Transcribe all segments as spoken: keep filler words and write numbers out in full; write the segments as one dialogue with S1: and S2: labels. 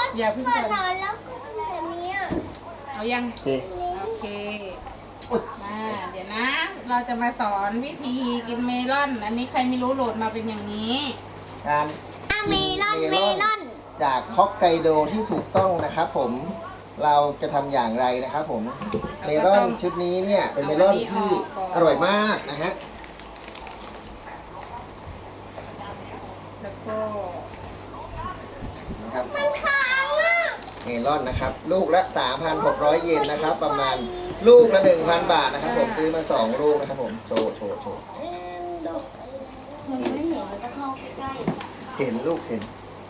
S1: อย่าเพิ่ง
S2: เปิ
S1: เปิ
S2: ด
S1: ด
S2: นอนแล้วก็แบบนี้อ่ะ
S1: เอายัง
S3: โอเค
S1: โอเคมาเดี๋ยวนะ เราจะมาสอนวิธีกินเมลอน อันนี้ใครไม่รู้โหลดมาเป็นอย่างนี้
S3: การ
S2: เมลอนเมลอน
S3: จากฮอกไกโดที่ถูกต้องนะครับผมเราจะทำอย่างไรนะครับผมเมลอนชุดนี้เนี่ยเป็นเมลอนที่อร่อยมากนะฮะ
S1: แล้วก็
S3: นะครับ
S2: มันค้างอ่ะ
S3: เมลอนนะครับลูกละ สามพันหกร้อย เยนนะครับประมาณลูกละ หนึ่งพัน บาทนะครับผมซื้อมาสองลูกนะครับผมโชว์โชว์โชว์
S2: เอ็นดอกมันไม่เห็นมันจะเข้าใกล้
S3: เห็นลูกเห็น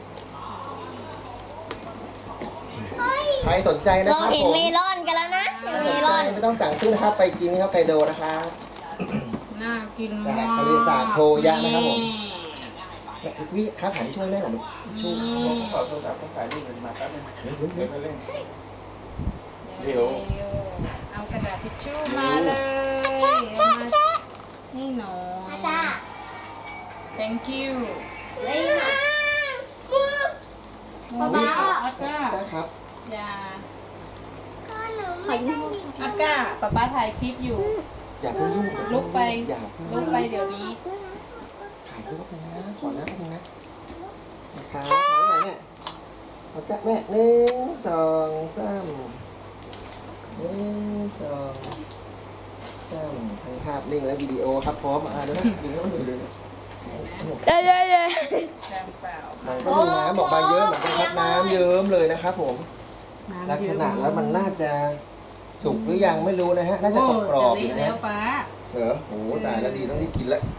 S2: เฮ้ย
S3: ใครสนใจนะ
S2: เรา
S3: ครับ
S2: เห็น
S3: ผม
S2: เมลอนกันแล้วนะเห็น
S3: ใคร
S2: เม
S3: สน
S2: ล
S3: ใจ
S2: อน
S3: ไม่ต้องสั่งซื้อนะครับไปกินที่ฮอกไกโดนะครับ
S1: น่ากิน
S3: จาก
S1: มาก
S3: ทะเลสาบโทยะนะครับผม วิครับหาที่ช่วยแม่หน่อยลูกช่วย
S1: อืม
S4: ขอโทรศัพท์ต้องถ่ายรูปกันมาแป๊บนึง
S3: เฮ้ยเฮ้ย
S4: เดี๋
S3: เฮ้
S4: ย
S3: ยว
S4: ไปเล่น
S1: เดี๋ยวเอากระดาษทิชชู่มาเลย
S2: แชะแชะแชะ
S1: นี่หนู
S2: อาจารย์
S1: thank you
S2: เลยนะมือ ป๊าป๊า
S1: อัดก้า
S3: ได้ครับ
S1: อย่า
S2: ก็หนูไม่ได้
S1: อัดก้าป๊าป๊าถ่ายคลิปอยู่
S3: อย่าเพิ่งยุ่ง
S1: ลุกไป
S3: อย่าเพิ่ง
S1: ลุกไปเดี๋ยวนี้
S3: ถ่ายรูปนะขอนะแป๊บนึงนะนะครับถ่ายไหนเนี่ยเอาจ้ะแม่หนึ่งสองสามหนึ่งสองสามทั้งภาพนิ่งและวิดีโอครับพร้อมอ่ะเดี๋ยวนะดึงให้มันดูเลย
S2: เย้เย้เย้
S1: แรงเปล่า
S3: มันก็ดูน้ำออกมาเยอะเหมือนกันครับน้ำเยิ้มเลยนะครับผม ลักษณะแล้วมันน่าจะสุกหรือยังไม่รู้นะฮะ น่าจะกรอบๆอยู่
S1: จะ
S3: นะ
S1: เละแล้
S3: ฮะ
S1: วป๊า
S3: เหรอโอ้โหตายแล้วดีต้องรีบกินแล้ว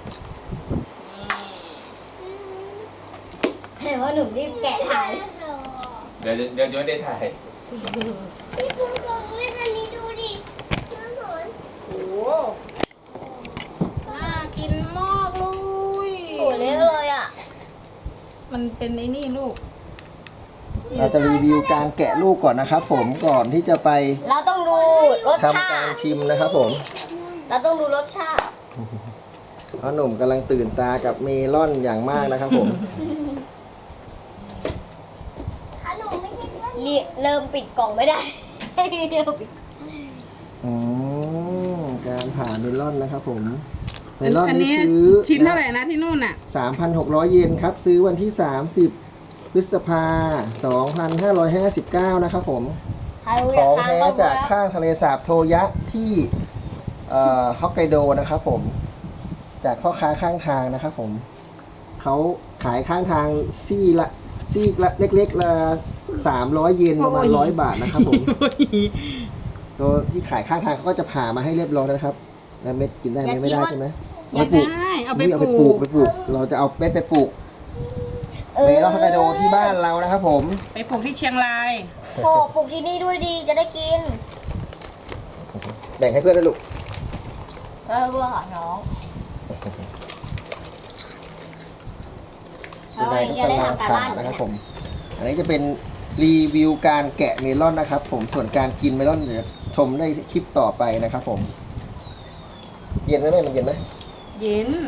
S2: เห็นว่าหนูรีบแกะถ่าย
S4: เดี๋ยวเดี๋ยวเดี๋ยวได้ถ่าย
S2: พี่ปุ๊กลองเล่นอันนี้ดูดิน้ำหอน
S1: โอ้โหน่ากินมากเลย
S2: โอ้เล็กเลยอ่ะ
S1: มันเป็นไอ้นี่ลูก
S3: เราจะรีวิวการแกะลูกก่อนนะครับผมก่อนที่จะไป
S2: เราต้องดูรส
S3: ทำ
S2: ชา
S3: การ
S2: ติ
S3: ชิมนะครับผม
S2: เราต้องดูรสชาติ
S3: เพราะหนุ่มกำลังตื่นตากับเมลอนอย่างมากนะครับผม
S2: เรียเริ่มปิดกล่องไม่ได้ เริ่มปิด
S3: อืมการผ่าเมลอนนะครับผม เมลอน
S1: อัน
S3: นี่
S1: นี้
S3: ซื้อ
S1: ชิ้นเท่าไหร่นะที่นู่นอ่ะ
S3: สามพันหกร้อย เยนครับ ซื้อวันที่ สามสิบ พฤษภาสองพันห้าร้อยห้าสิบเก้านะครับผม ของแท้จากข้างทะเลสาบโทยะที่เอ่อฮอกไกโดนะครับผม จากพ่อค้าข้างทางนะครับผม เขาขายข้างทางซี่ละซี่ละเล็กๆละสามร้อยเยนประมาณ
S1: โอ้ย
S3: ร้อยบาทนะครับผม ตัวที่ขายข้างทางเขาก็จะผ่ามาให้เรียบร้อยแล้วนะครับ แล้วเม็ดกินได้ไหมไม่ได้ใช่ไหม
S1: อยากได้เอาไป
S3: อุ๊ยเอาไป
S1: ป
S3: ป
S1: ลู
S3: ลู
S1: ก
S3: กไปปลูก เราจะเอาเม็ดไปปลูกเมลอนฮอกไกโดที่บ้านเรานะครับผม
S1: ไปปลูกที่เชียงราย
S2: โอ้ปลูกที่นี่ด้วยดีจะได้กิน
S3: แบ่งให้เพื่อนด้วยลูก
S2: ก็เพื่อของน้อง
S3: เป็นไงก็กำลังผ่านะครับผม อันนี้จะเป็นรีวิวการแกะเมลอนนะครับผม ส่วนการกินเมลอนเดี๋ยวชมได้คลิปต่อไปนะครับผม เย็นไหมแม่มันเย็นไหม
S1: เย็น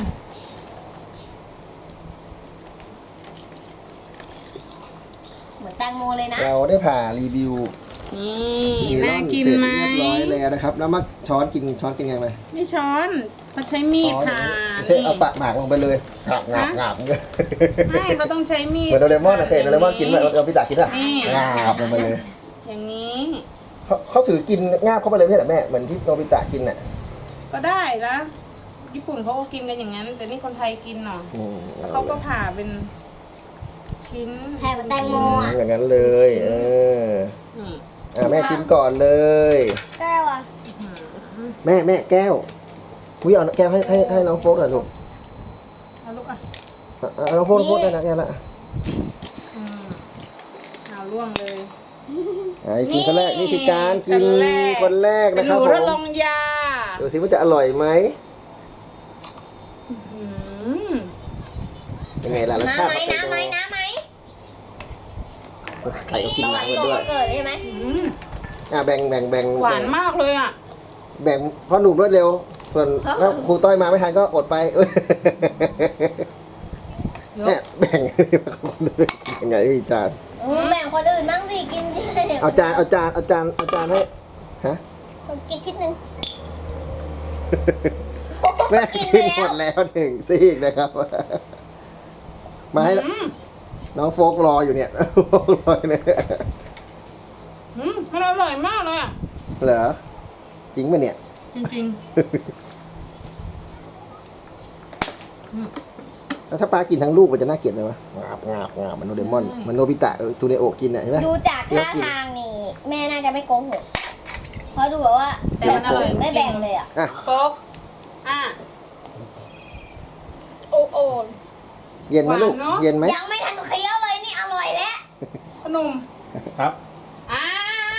S2: เหมือนแตงโมเลยนะ
S3: เราได้ผ่ารีวิว
S1: นี่
S3: เมลอ
S1: น่าน กิน
S3: เสร็จ
S1: ไหม
S3: เรียบร้อยแล้วนะครับ แล้วมาช้อนกินช้อนกินไงไหม
S1: ไม่ช้อนเขาใช้มีดผ่า
S3: ไม่ใช่เอาปากหมากลงไปเลยงาบงาบงาบเงี้ย
S1: ไม่เขาต้องใช้มีด
S3: เหมือนโดเรมอนนะเคยเห็นโดเรมอนกินไหมเราพิตากินอ่ะ
S1: นี่
S3: งาบลงไปเลย
S1: อย่างนี้
S3: เขาเขาถือกินงาบเข้าไปเลยไม่ใช่เหรอแม่เหมือนที่โนบิตะกินน่ะ
S1: ก็ได้นะญี่ปุ่นเขาก็กินกันอย่างนั้น แต่นี่คนไทยกินเนาะ
S3: อืม
S1: แล้วเขาก็ผ่าเป็นชิ้น
S2: แผ่เหมือนแตงโมอ่ะ
S3: อย่างนั้นเลยเออ
S1: นี่
S3: อ่ะแม่ชิมก่อนเลย
S2: แก้วอ่ะ
S3: แม่แม่แก้ววิเอาแก้วให้ให้ให้น้องโฟกหน่อยลูก
S1: เอาลูกอ่ะ
S3: อ่ะเอาน้องโฟกน้องโฟกได้นะแก้วละ
S1: อืมเอาล่วงเลย
S3: อ่ะกินคนแรกนี่คือการกิน
S1: คนแรก
S3: คนแรก
S1: เป็น
S3: นะ
S1: ห
S3: ครับ
S1: นู
S3: ผ
S1: ทด
S3: ม
S1: ลองยา
S3: ดูสิว่าจะอร่อยไหม
S1: อืม
S3: เป็นไงล่ะรส
S2: น้ำ
S3: ชาติ
S2: ไหม
S3: ฮอกไก
S2: น้ำ
S3: โด
S2: ไหมน้ำไหม
S3: ไข่ก็กิน
S2: ตะวัน
S3: น้ำ
S2: ต
S3: มาก ด้วย
S2: มาเกิดใช่ไหม
S1: อืม
S3: อ่ะแบ่งแบ่งแบ่ง
S1: หวานมากเลยอ่ะ
S3: แบ่งพ่อหนุ่มรวดเร็ว ส่วนถ้าครูต้อยมาไม่ทันก็อดไปเอ้ย
S1: เดี๋ยว
S3: แม่แบ่งยังไงพี่จาน
S2: อืมแบ่งคนอื่นบ้างสิกินเยอะ
S3: เอาจานเอาจานเอาจานเอาจานให้ฮะ
S2: ผมกินชิ้นหนึ่ง
S3: แม่
S2: กิน
S3: กิน
S2: ไป
S3: หม
S2: แล้ว
S3: ดแล้วหนึ่งซีกนะครับ มาให้
S1: อืม
S3: น้องโฟกรออยู่เนี่ย โฟกรออยู่เนี่ย
S1: อืมมันอร่อยมากเลยอ่ะ
S3: เหรอจริงปะเนี่ย
S1: จริง
S3: แล้วถ้าปลากินทั้งลูกมันจะน่าเกลียดไหมวะงาบงาบงาบมันโนเดมอนมันโนบิตะเออทูเนโอะกินอ่ะเห็นไหม
S2: ดูจากท่าทางนี่ แม่น่าจะไม่โกหกเพราะดูแบบว่า
S1: ๆแต่มันอร่อยจริง
S2: ไม่แบ่งเลยอ่ะ
S3: อ่ะ
S1: โฟกอ่ะ
S2: โอ้โอ
S3: เย็นไหมลูก
S1: หวานเนอะ
S3: เย็นไหม
S2: ยังไม่ทันเคี้ยวเลยนี่อร่อยแล้ว
S1: ขนม
S4: ครับ
S1: อ่า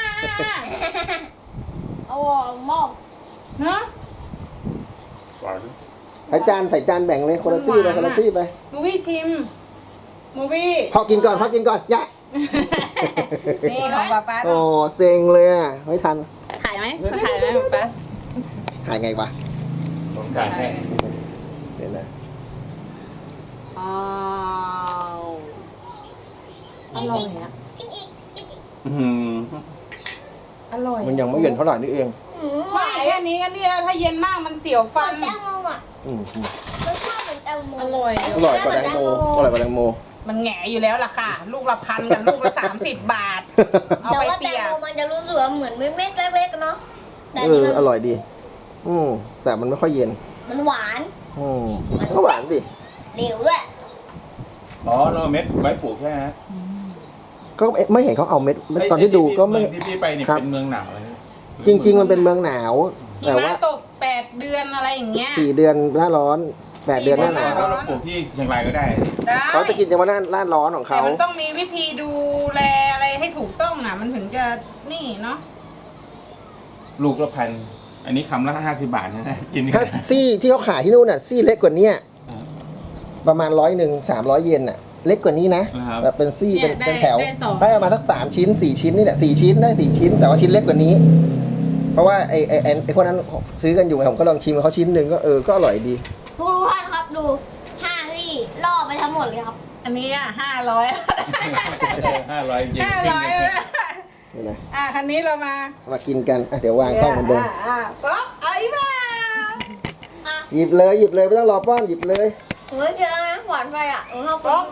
S2: อร่อยมาก
S1: เนอะ
S4: หวาน
S3: ใส่จานใส่จานแบ่งเลยคนละซี่ไปคนละซี่ไป
S1: มูวี่ชิมมูวี่
S3: พอกินก่อนพอกินก่อนยะ
S1: นี่ของป๊าป๊า
S3: โอ้เซ็งเลยอ่ะไม่ทัน
S1: ถ่ายไหมมาถ่ายไหมป๊าป๊า
S3: ถ่ายไงวะ
S4: ผมจ่ายให้
S3: เดี๋ยวนะ
S1: อ้าวอร่อยอ่ะ
S2: กินอีกกินอีก
S4: อื้อหือ
S1: อร่อย
S3: มันยังไม่เย็นเท่าไหร่นี่เอง
S2: อืม
S1: ไม่แค่นี้ก็นี่แล้วถ้าเย็นมากมันเสียว
S2: ฟั
S1: ฟั
S2: น
S1: น
S2: แตงโมอ่ะ
S3: อืมอืม
S2: รสชาติเหมือนแตงโม
S1: อร่อย
S3: อร่อยกว่าแตงโมอร่อยกว่าแตงโม
S1: มันแหงอยู่แล้วล่ะค่ะ ลูกละพันกับลูกละสามสิบบาท เอา
S2: แต่
S1: ไป
S2: ว่า
S1: เปี
S2: แตง
S1: ยก
S2: โมมันจะรู้สึกว่าเหมือนเม็ดๆเล็กๆเนาะแต่
S3: เอ
S2: นี่
S3: อ
S2: มัน
S3: อร่อยดี อืมแต่มันไม่ค่อยเย็น
S2: มันหวาน
S3: อืมก็หวานดิ
S2: เหลวด้วย
S4: อ๋อเราเม็ดไว้ปลูกใช่ไหมฮะ
S3: ก็ไม่เห็นเขาเอาเม็ดเม็ดตอนที่ดูก็ไม่
S4: เองที่พี่ไปนี่
S3: ครับ
S4: เป็นเมืองหนาวเลย
S3: จริง ๆ มันเป็นเมืองหนาว
S1: หิ
S3: แต่
S1: มะ
S3: ว่า
S1: ตกแปดเดือนอะไรอย่างเงี้ย
S3: สี่เดือนหน้าร้อนแปดเดือนหน้าหนาว
S1: สี่เดือน
S4: เราปลูกที่เชียงรายก็ได้
S1: ได้
S3: เขาจะกินเฉพาะหน้าหน้าร้อนของ
S1: แต่
S3: เขา
S1: มันต้องมีวิธีดูแลอะไรให้ถูกต้องอ่ะ มันถึงจะนี่เนาะ
S4: ลูกละพัน อันนี้คำละห้าสิบบาทนะ กิน
S3: ถ้าซี่ที่เขาขายที่นู่นน่ะซี่เล็กกว่าเนี้ยประมาณร้อยหนึ่งสามร้อยเยนน่ะ เล็กกว่านี้นะ
S4: นะครับ
S3: แบบเป็นซี่เป็น
S1: เนี่ยได้
S3: เป็นแถว
S1: ได้สอง
S3: ได้ประมาณสักสามชิ้นสี่ชิ้นนี่แหละสี่ชิ้นได้สี่ชิ้น แต่ว่าชิ้นเล็กกว่านี้ เพราะว่าไอ้ไอ้ไอ้ไอ้คนนั้นซื้อกันอยู่ไงผมก็ลองชิมเขาชิ้นหนึ่งก็เออก็อร่อยดี
S2: ทุกท่านครับดูห้างที่ล่อไปทั้งหมดเลยครับ
S1: อันนี้อ่ะห้าร้อย
S4: ห้าร้อยเยน
S1: ห้าร้อย
S3: นี่นะ
S1: อ่ะคันนี้เรามา
S3: มากินกันอ่ะเดี๋ยววางกล้องเหมือนเดิม
S1: อ่ะอ่ะป๊อกเอาอีกมา
S2: อ่ะ
S3: หยิบเลยหยิบเลยไม่ต้องรอป้อนหยิบเลย
S2: หนูไม่เจอนะหวานไปอ่ะหนูชอบ
S1: ป๊อก